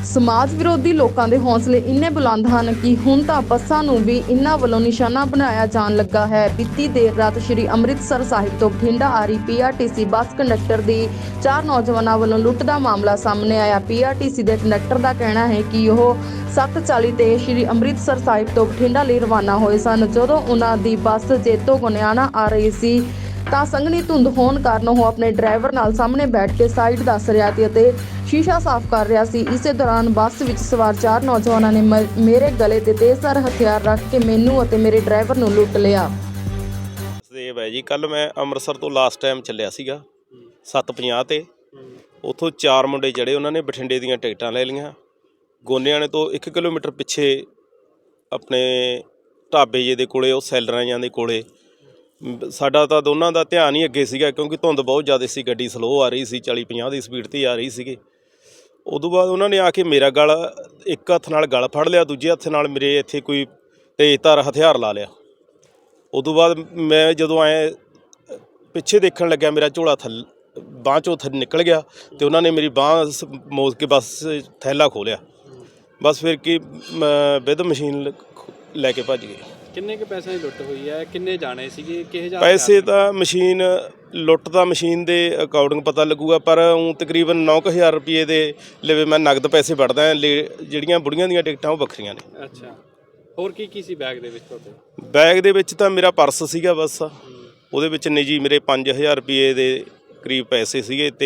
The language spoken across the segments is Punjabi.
ਸਮਾਜ ਵਿਰੋਧੀ ਲੋਕਾਂ ਦੇ ਹੌਸਲੇ ਇੰਨੇ ਬੁਲੰਦ ਹਨ ਕਿ ਹੁਣ ਤਾਂ ਬੱਸਾਂ ਨੂੰ ਵੀ ਇਨ੍ਹਾਂ ਵੱਲੋਂ ਨਿਸ਼ਾਨਾ ਬਣਾਇਆ ਜਾਣ ਲੱਗਾ ਹੈ। ਬੀਤੀ ਦੇਰ ਰਾਤ ਸ਼੍ਰੀ ਅੰਮ੍ਰਿਤਸਰ ਸਾਹਿਬ ਤੋਂ ਬਠਿੰਡਾ ਆ ਰਹੀ ਪੀਆਰਟੀਸੀ ਬੱਸ ਕੰਡਕਟਰ ਦੀ 4 ਨੌਜਵਾਨਾਂ ਵੱਲੋਂ ਲੁੱਟ ਦਾ ਮਾਮਲਾ ਸਾਹਮਣੇ ਆਇਆ। ਪੀਆਰਟੀਸੀ ਦੇ ਕੰਡਕਟਰ ਦਾ ਕਹਿਣਾ ਹੈ ਕਿ ਉਹ 7:40 ਤੇ ਸ਼੍ਰੀ ਅੰਮ੍ਰਿਤਸਰ ਸਾਹਿਬ ਤੋਂ ਬਠਿੰਡਾ ਲਈ ਰਵਾਨਾ ਹੋਏ ਸਨ। ਜਦੋਂ ਉਹਨਾਂ ਦੀ ਬੱਸ ਜੇਤੋ ਗੋਨਿਆਣਾ ਆ ਰਹੀ ਸੀ ਤਾਂ ਸੰਘਣੀ ਧੁੰਦ ਹੋਣ ਕਾਰਨ ਉਹ ਆਪਣੇ ਡਰਾਈਵਰ ਨਾਲ ਸਾਹਮਣੇ ਬੈਠ ਕੇ ਸਾਈਡ ਦੱਸ ਰਿਹਾ ਸੀ ਅਤੇ ਸ਼ੀਸ਼ਾ ਸਾਫ਼ ਕਰ ਰਿਹਾ ਸੀ। ਇਸੇ ਦੌਰਾਨ ਬੱਸ ਵਿੱਚ ਸਵਾਰ 4 ਨੌਜਵਾਨਾਂ ਨੇ ਮੇਰੇ ਗਲੇ ਤੇ ਤੇਜ਼ਧਾਰ ਹਥਿਆਰ ਰੱਖ ਕੇ ਮੈਨੂੰ ਅਤੇ ਮੇਰੇ ਡਰਾਈਵਰ ਨੂੰ ਲੁੱਟ ਲਿਆ। ਸੇਵ ਹੈ ਜੀ, ਕੱਲ ਮੈਂ ਅੰਮ੍ਰਿਤਸਰ ਤੋਂ ਲਾਸਟ ਟਾਈਮ ਚੱਲਿਆ ਸੀਗਾ 7:50 ਤੇ। ਉੱਥੋਂ 4 ਮੁੰਡੇ ਜਿਹੜੇ ਉਹਨਾਂ ਨੇ ਬਠਿੰਡੇ ਦੀਆਂ ਟਿਕਟਾਂ ਲੈ ਲਈਆਂ। ਗੋਨਿਆਣੇ ਤੋਂ 1 ਕਿਲੋਮੀਟਰ ਪਿੱਛੇ ਆਪਣੇ ਢਾਬੇ ਜੇ ਦੇ ਕੋਲੇ, ਉਹ ਸੈਲਰਾਂ ਜਾਂ ਦੇ ਕੋਲੇ, ਸਾਡਾ ਤਾਂ ਦੋਨਾਂ ਦਾ ਧਿਆਨ ਹੀ ਅੱਗੇ ਸੀਗਾ ਕਿਉਂਕਿ ਧੁੰਦ ਬਹੁਤ ਜ਼ਿਆਦਾ ਸੀ, ਗੱਡੀ ਸਲੋਅ ਆ ਰਹੀ ਸੀ, 40-50 ਦੀ ਸਪੀਡ 'ਤੇ ਆ ਰਹੀ ਸੀਗੀ। ਉਦੋਂ ਬਾਅਦ ਉਹਨਾਂ ਨੇ ਆ ਕੇ ਮੇਰਾ ਗਲ ਇੱਕ ਹੱਥ ਨਾਲ ਗਲ ਫੜ ਲਿਆ, ਦੂਜੇ ਹੱਥ ਨਾਲ ਮੇਰੇ ਇੱਥੇ ਕੋਈ ਤੇਜ਼ਧਾਰ ਹਥਿਆਰ ਲਾ ਲਿਆ। ਉਦੋਂ ਬਾਅਦ ਮੈਂ ਜਦੋਂ ਐਂ ਪਿੱਛੇ ਦੇਖਣ ਲੱਗਿਆ, ਮੇਰਾ ਝੋਲਾ ਬਾਂਹ 'ਚੋਂ ਨਿਕਲ ਗਿਆ ਅਤੇ ਉਹਨਾਂ ਨੇ ਮੇਰੀ ਬਾਂਹ ਮੋੜ ਕੇ ਬਸ ਥੈਲਾ ਖੋਲ੍ਹਿਆ। ਬਸ ਫਿਰ ਕੀ ਵਿਦ ਮਸ਼ੀਨ ਲੈ ਕੇ ਭੱਜ ਗਏ। ਕਿੰਨੇ ਕੁ ਪੈਸਿਆਂ ਦੀ ਲੁੱਟ ਹੋਈ ਹੈ? ਕਿੰਨੇ ਜਾਣੇ ਸੀਗੇ? ਕਿਹੋ ਜਿਹਾ ਪੈਸੇ ਤਾਂ ਮਸ਼ੀਨ ਲੁੱਟ ਦਾ ਮਸ਼ੀਨ ਦੇ ਅਕੋਰਡਿੰਗ ਪਤਾ ਲੱਗੂਗਾ, ਪਰ ਊਂ ਤਕਰੀਬਨ 9,000 ਰੁਪਏ ਦੇ ਲਵੇ ਮੈਂ ਨਗਦ ਪੈਸੇ ਵੜਦਾ। ਜਿਹੜੀਆਂ ਬੁੜੀਆਂ ਦੀਆਂ ਟਿਕਟਾਂ ਉਹ ਵੱਖਰੀਆਂ ਨੇ। ਅੱਛਾ, ਹੋਰ ਕੀ ਕੀ ਸੀ ਬੈਗ ਦੇ ਵਿੱਚ ਤੁਹਾਡੇ? ਬੈਗ ਦੇ ਵਿੱਚ ਤਾਂ ਮੇਰਾ ਪਰਸ ਸੀਗਾ ਬਸ, ਉਹਦੇ ਵਿੱਚ ਨਿੱਜੀ ਮੇਰੇ 5,000 ਰੁਪਏ ਦੇ ਕਰੀਬ ਪੈਸੇ ਸੀਗੇ ਅਤੇ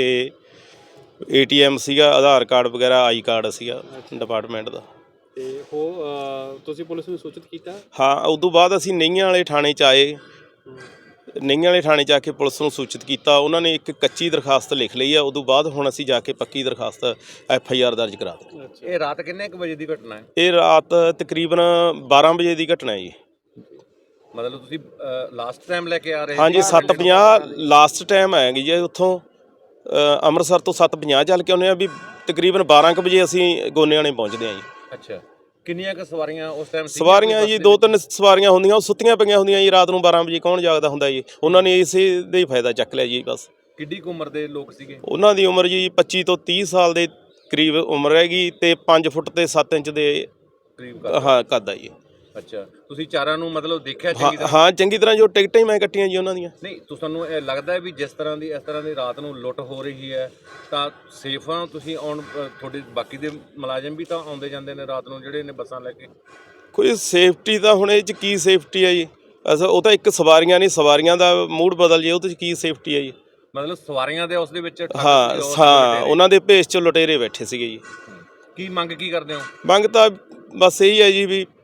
ATM ਸੀਗਾ, ਆਧਾਰ ਕਾਰਡ ਵਗੈਰਾ, ਆਈ ਕਾਰਡ ਸੀਗਾ ਡਿਪਾਰਟਮੈਂਟ ਦਾ। ਅਤੇ ਉਹ ਤੁਸੀਂ ਪੁਲਿਸ ਨੂੰ ਸੂਚਿਤ ਕੀਤਾ? ਹਾਂ, ਉਦੋਂ ਬਾਅਦ ਅਸੀਂ ਨਈਆਂ ਵਾਲੇ ਥਾਣੇ 'ਚ ਆਏ। ਨਈਆਂ ਵਾਲੇ ਥਾਣੇ 'ਚ ਆ ਕੇ ਪੁਲਿਸ ਨੂੰ ਸੂਚਿਤ ਕੀਤਾ। ਉਹਨਾਂ ਨੇ ਇੱਕ ਕੱਚੀ ਦਰਖਾਸਤ ਲਿਖ ਲਈ ਆ। ਉਦੋਂ ਬਾਅਦ ਹੁਣ ਅਸੀਂ ਜਾ ਕੇ ਪੱਕੀ ਦਰਖਾਸਤ FIR ਦਰਜ ਕਰਾ ਦਿੱਤੀ। ਇਹ ਰਾਤ ਕਿੰਨੇ ਕੁ ਵਜੇ ਦੀ ਘਟਨਾ ਹੈ? ਇਹ ਰਾਤ ਤਕਰੀਬਨ 12 ਵਜੇ ਦੀ ਘਟਨਾ ਹੈ ਜੀ। ਮਤਲਬ ਤੁਸੀਂ ਲਾਸਟ ਟਾਈਮ ਲੈ ਕੇ ਆ ਰਹੇ? ਹਾਂਜੀ, 7:50 ਲਾਸਟ ਟਾਈਮ ਆਏਗੀ ਜੀ। ਉੱਥੋਂ ਅੰਮ੍ਰਿਤਸਰ ਤੋਂ 7:50 ਚੱਲ ਕੇ ਆਉਂਦੇ ਹਾਂ, ਵੀ ਤਕਰੀਬਨ 12 ਕੁ ਵਜੇ ਅਸੀਂ ਗੋਨਿਆਣੇ ਪਹੁੰਚਦੇ ਹਾਂ ਜੀ। ਅੱਛਾ, ਕਿੰਨੀਆਂ ਕੁ ਸਵਾਰੀਆਂ ਉਸ ਟਾਈਮ? ਸਵਾਰੀਆਂ ਜੀ 2-3 ਸਵਾਰੀਆਂ ਹੁੰਦੀਆਂ, ਉਹ ਸੁੱਤੀਆਂ ਪਈਆਂ ਹੁੰਦੀਆਂ ਜੀ। ਰਾਤ ਨੂੰ 12 ਵਜੇ ਕੌਣ ਜਾਗਦਾ ਹੁੰਦਾ ਜੀ। ਉਹਨਾਂ ਨੇ ਇਸੇ ਦਾ ਹੀ ਫਾਇਦਾ ਚੱਕ ਲਿਆ ਜੀ ਬਸ। ਕਿੱਡੀ ਕੁ ਉਮਰ ਦੇ ਲੋਕ ਸੀਗੇ? ਉਹਨਾਂ ਦੀ ਉਮਰ ਜੀ 25 ਤੋਂ 30 ਸਾਲ ਦੇ ਕਰੀਬ ਉਮਰ ਹੈਗੀ ਅਤੇ 5 ਫੁੱਟ ਤੇ 7 ਇੰਚ ਦੇ ਕਰੀਬ ਹਾਂ ਕੱਦ ਆ ਜੀ। ਅੱਛਾ, ਤੁਸੀਂ ਚਾਰਾਂ ਨੂੰ ਮਤਲਬ ਦੇਖਿਆ ਚੰਗੀ ਤਰ੍ਹਾਂ? ਹਾਂ, ਚੰਗੀ ਤਰ੍ਹਾਂ। ਜੋ ਟਿਕਟਾਂ ਹੀ ਮੈਂ ਕੱਟੀਆਂ ਜੀ ਉਹਨਾਂ ਦੀਆਂ। ਨਹੀਂ, ਤੁਹਾਨੂੰ ਇਹ ਲੱਗਦਾ ਵੀ ਜਿਸ ਤਰ੍ਹਾਂ ਦੀ ਇਸ ਤਰ੍ਹਾਂ ਦੀ ਰਾਤ ਨੂੰ ਲੁੱਟ ਹੋ ਰਹੀ ਹੈ ਤਾਂ ਸੇਫ ਆ ਤੁਸੀਂ? ਤੁਹਾਡੇ ਬਾਕੀ ਦੇ ਮੁਲਾਜ਼ਮ ਵੀ ਤਾਂ ਆਉਂਦੇ ਜਾਂਦੇ ਨੇ ਰਾਤ ਨੂੰ ਜਿਹੜੇ ਨੇ ਬੱਸਾਂ ਲੈ ਕੇ। ਕੋਈ ਸੇਫਟੀ ਤਾਂ ਹੁਣ ਇਹ 'ਚ ਕੀ ਸੇਫਟੀ ਹੈ ਜੀ? ਉਹ ਤਾਂ ਇੱਕ ਸਵਾਰੀਆਂ ਨਹੀਂ, ਸਵਾਰੀਆਂ ਦਾ ਮੂਡ ਬਦਲ ਜੇ, ਉਹਦੇ 'ਚ ਕੀ ਸੇਫਟੀ ਹੈ ਜੀ? ਮਤਲਬ ਸਵਾਰੀਆਂ ਦੇ ਉਸ ਦੇ ਵਿੱਚ ਹਾਂ, ਉਹਨਾਂ ਦੇ ਭੇਸ 'ਚ ਲੁਟੇਰੇ ਬੈਠੇ ਸੀਗੇ ਜੀ। ਕੀ ਮੰਗ ਕੀ ਕਰਦੇ ਹੋ? ਮੰਗ ਤਾਂ ਬਸ ਇਹੀ ਹੈ ਜੀ ਵੀ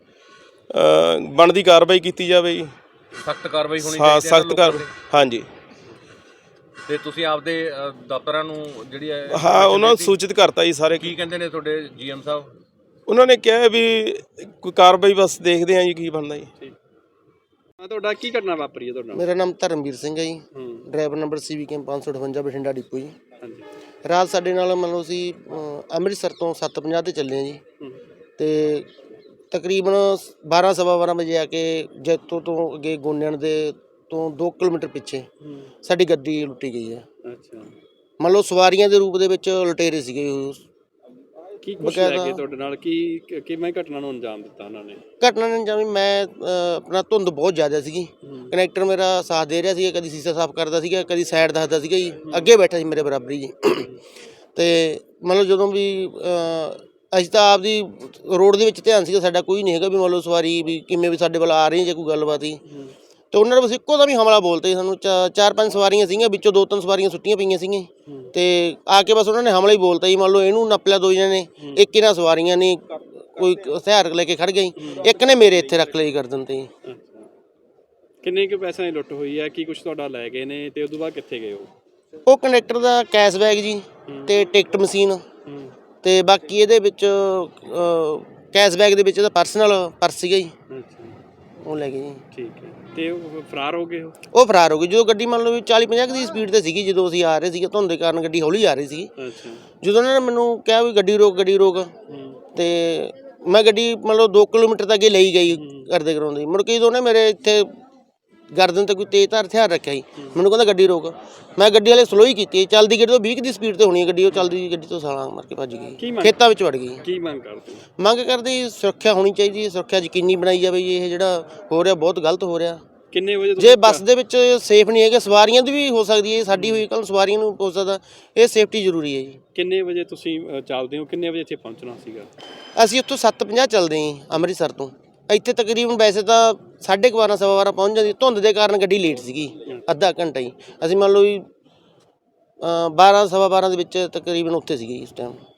ਬਣਦੀ ਕਾਰਵਾਈ ਕੀਤੀ ਜਾਵੇ ਜੀ। ਸਖਤ ਕਾਰਵਾਈ ਹੋਣੀ ਹਾਂ, ਚਾਹੀਦੀ ਹੈ ਸਖਤ ਕਾਰਵਾਈ। ਹਾਂਜੀ, ਤੇ ਤੁਸੀਂ ਆਪਦੇ ਦਫ਼ਤਰਾਂ ਨੂੰ ਜਿਹੜੀ ਹਾਂ, ਉਹਨਾਂ ਨੂੰ ਸੂਚਿਤ ਕਰਤਾ ਜੀ ਸਾਰੇ। ਕੀ ਕਹਿੰਦੇ ਨੇ ਤੁਹਾਡੇ GM ਸਾਹਿਬ? ਉਹਨਾਂ ਨੇ ਕਿਹਾ ਵੀ ਕੋਈ ਕਾਰਵਾਈ ਬਸ ਦੇਖਦੇ ਹਾਂ ਜੀ ਕੀ ਬਣਦਾ ਜੀ। ਠੀਕ। ਤੁਹਾਡਾ ਕੀ ਘਟਨਾ ਵਾਪਰੀ ਹੈ ਤੁਹਾਡਾ? ਮੇਰਾ ਨਾਮ ਧਰਮਵੀਰ ਸਿੰਘ ਹੈ ji. Driver number CVK 558 Bathinda depot ji. ਹਾਂਜੀ। ਰਾਤ ਸਾਡੇ ਨਾਲ ਮੰਨ ਲਓ ਅਸੀਂ ਅੰਮ੍ਰਿਤਸਰ ਤੋਂ 7:50 ਤੇ ਚੱਲੇ ਹਾਂ ਜੀ, ਅਤੇ ਤਕਰੀਬਨ 12 ਸਵਾ 12 ਵਜੇ ਆ ਕੇ ਜੈਤੋ ਤੋਂ ਅੱਗੇ ਗੋਨਿਆਣ ਦੇ ਤੋਂ 2 ਕਿਲੋਮੀਟਰ ਪਿੱਛੇ ਸਾਡੀ ਗੱਡੀ ਲੁੱਟੀ ਗਈ ਹੈ। ਅੱਛਾ, ਮੰਨ ਲਓ ਸਵਾਰੀਆਂ ਦੇ ਰੂਪ ਦੇ ਵਿੱਚ ਲੁਟੇਰੇ ਸੀਗੇ। ਕੀ ਕੁਛ ਲੈ ਕੇ ਤੁਹਾਡੇ ਨਾਲ ਕਿਵੇਂ ਘਟਨਾ ਨੂੰ ਅੰਜਾਮ ਦਿੱਤਾ ਉਹਨਾਂ ਨੇ? ਘਟਨਾ ਨੇ ਜਿਵੇਂ ਮੈਂ ਆਪਣਾ ਧੁੰਦ ਬਹੁਤ ਜ਼ਿਆਦਾ ਸੀਗੀ, ਕਨੈਕਟਰ ਮੇਰਾ ਸਾਥ ਦੇ ਰਿਹਾ ਸੀਗਾ, ਕਦੀ ਸ਼ੀਸ਼ਾ ਸਾਫ਼ ਕਰਦਾ ਸੀਗਾ, ਕਦੀ ਸਾਈਡ ਦੱਸਦਾ ਸੀਗਾ ਜੀ, ਅੱਗੇ ਬੈਠਾ ਸੀ ਮੇਰੇ ਬਰਾਬਰੀ ਜੀ। ਅਤੇ ਮਤਲਬ ਜਦੋਂ ਵੀ ਅਸੀਂ ਤਾਂ ਆਪਦੀ ਰੋਡ ਦੇ ਵਿੱਚ ਧਿਆਨ ਸੀਗਾ ਸਾਡਾ, ਕੋਈ ਨਹੀਂ ਹੈਗਾ ਵੀ ਮੰਨ ਲਓ ਸਵਾਰੀ ਵੀ ਕਿਵੇਂ ਵੀ ਸਾਡੇ ਵੱਲ ਆ ਰਹੀ ਜਾਂ ਕੋਈ ਗੱਲਬਾਤ ਹੀ। ਅਤੇ ਉਹਨਾਂ ਨੇ ਬਸ ਇੱਕੋ ਦਾ ਵੀ ਹਮਲਾ ਬੋਲਤੇ ਸਾਨੂੰ। 4-5 ਸਵਾਰੀਆਂ ਸੀਗੀਆਂ, ਵਿੱਚੋਂ 2-3 ਸਵਾਰੀਆਂ ਸੁੱਟੀਆਂ ਪਈਆਂ ਸੀਗੀਆਂ, ਅਤੇ ਆ ਕੇ ਬਸ ਉਹਨਾਂ ਨੇ ਹਮਲਾ ਹੀ ਬੋਲਤਾ ਜੀ। ਮੰਨ ਲਓ ਇਹਨੂੰ ਨੱਪ ਲਿਆ 2 ਜਣੇ ਨੇ, ਇੱਕ ਇਹਨਾਂ ਸਵਾਰੀਆਂ ਨੇ ਕੋਈ ਹਥਿਆਰ ਲੈ ਕੇ ਖੜ੍ਹ ਗਈ, ਇੱਕ ਨੇ ਮੇਰੇ ਇੱਥੇ ਰੱਖ ਲਈ ਗਰਦਨ 'ਤੇ। ਕਿੰਨੇ ਕੁ ਪੈਸਿਆਂ ਦੀ ਲੁੱਟ ਹੋਈ ਹੈ? ਕੀ ਕੁਛ ਤੁਹਾਡਾ ਲੈ ਗਏ ਨੇ ਅਤੇ ਉਦੋਂ ਬਾਅਦ ਕਿੱਥੇ ਗਏ ਉਹ ਕੰਡਕਟਰ ਦਾ ਕੈਸ਼ ਬੈਗ ਜੀ ਅਤੇ ਟਿਕਟ ਮਸ਼ੀਨ, ਅਤੇ ਬਾਕੀ ਇਹਦੇ ਵਿੱਚ ਕੈਸ਼ ਬੈਗ ਦੇ ਵਿੱਚ ਇਹਦਾ ਪਰਸਨਲ ਪਰਸ ਸੀਗਾ ਜੀ, ਉਹ ਲੈ ਗਏ ਜੀ। ਠੀਕ ਹੈ। ਅਤੇ ਉਹ ਫਰਾਰ ਹੋ ਗਏ? ਉਹ ਫਰਾਰ ਹੋ ਗਏ। ਜਦੋਂ ਗੱਡੀ ਮੰਨ ਲਓ ਵੀ 40-50 ਦੀ ਸਪੀਡ 'ਤੇ ਸੀਗੀ, ਜਦੋਂ ਅਸੀਂ ਆ ਰਹੇ ਸੀਗੇ, ਧੁੰਦ ਦੇ ਕਾਰਨ ਗੱਡੀ ਹੌਲੀ ਆ ਰਹੀ ਸੀਗੀ। ਜਦੋਂ ਉਹਨਾਂ ਨੇ ਮੈਨੂੰ ਕਿਹਾ ਵੀ ਗੱਡੀ ਰੋਕ, ਗੱਡੀ ਰੋਕ, ਅਤੇ ਮੈਂ ਗੱਡੀ ਮੰਨ ਲਓ 2 ਕਿਲੋਮੀਟਰ ਤੱਕ ਅੱਗੇ ਲਈ ਗਈ ਕਰਦੇ ਕਰਾਉਂਦੀ। ਮੁੜ ਕੇ ਜਦੋਂ ਉਹਨੇ ਮੇਰੇ ਇੱਥੇ ਗਰਦਨ ਤੇ ਕੋਈ ਤੇਜ਼ਧਾਰ ਹਥਿਆਰ ਰੱਖਿਆ ਜੀ। ਮੈਨੂੰ ਕਹਿੰਦਾ ਗੱਡੀ ਰੋਕ। ਮੈਂ ਗੱਡੀ ਵਾਲੇ ਸਲੋ ਹੀ ਕੀਤੀ, ਚੱਲਦੀ ਗੱਡੀ ਤੋਂ 20 ਦੀ ਸਪੀਡ ਤੇ ਹੋਣੀ ਹੈ ਗੱਡੀ, ਉਹ ਚੱਲਦੀ ਗੱਡੀ ਤੋਂ ਸਾਲਾਂ ਮਾਰ ਕੇ ਭੱਜ ਗਈ, ਖੇਤਾਂ ਵਿੱਚ ਵੜ ਗਈ। ਕੀ ਮੰਗ ਕਰਦੇ ਹੋ? ਮੰਗ ਕਰਦੇ ਜੀ ਸੁਰੱਖਿਆ ਹੋਣੀ ਚਾਹੀਦੀ ਹੈ, ਸੁਰੱਖਿਆ ਯਕੀਨੀ ਬਣਾਈ ਜਾਵੇ ਜੀ। ਇਹ ਜਿਹੜਾ ਹੋ ਰਿਹਾ ਬਹੁਤ ਗਲਤ ਹੋ ਰਿਹਾ। ਕਿੰਨੇ ਵਜੇ ਜੇ ਬੱਸ ਦੇ ਵਿੱਚ ਸੇਫ ਨਹੀਂ ਹੈਗੇ, ਸਵਾਰੀਆਂ ਦੀ ਵੀ ਹੋ ਸਕਦੀ ਹੈ, ਸਾਡੀ ਹੋਈ ਕੱਲ੍ਹ ਸਵਾਰੀਆਂ ਨੂੰ ਹੋ ਸਕਦਾ, ਇਹ ਸੇਫਟੀ ਜ਼ਰੂਰੀ ਹੈ ਜੀ। ਕਿੰਨੇ ਵਜੇ ਤੁਸੀਂ ਚੱਲਦੇ ਹੋ, ਕਿੰਨੇ ਵਜੇ ਇੱਥੇ ਪਹੁੰਚਣਾ ਸੀਗਾ? ਅਸੀਂ ਉੱਥੋਂ 7:50 ਚੱਲਦੇ ਹਾਂ ਜੀ, ਅੰਮ੍ਰਿਤਸਰ ਤੋਂ। ਇੱਥੇ ਤਕਰੀਬਨ ਵੈਸੇ ਤਾਂ 12:15 ਸਵਾ 12 ਪਹੁੰਚ ਜਾਂਦੀ, ਧੁੰਦ ਦੇ ਕਾਰਨ ਗੱਡੀ ਲੇਟ ਸੀਗੀ ਅੱਧਾ ਘੰਟਾ ਹੀ। ਅਸੀਂ ਮੰਨ ਲਓ ਵੀ 12 ਸਵਾ 12 ਦੇ ਵਿੱਚ ਤਕਰੀਬਨ ਉੱਥੇ ਸੀਗੇ ਜੀ ਇਸ ਟਾਈਮ।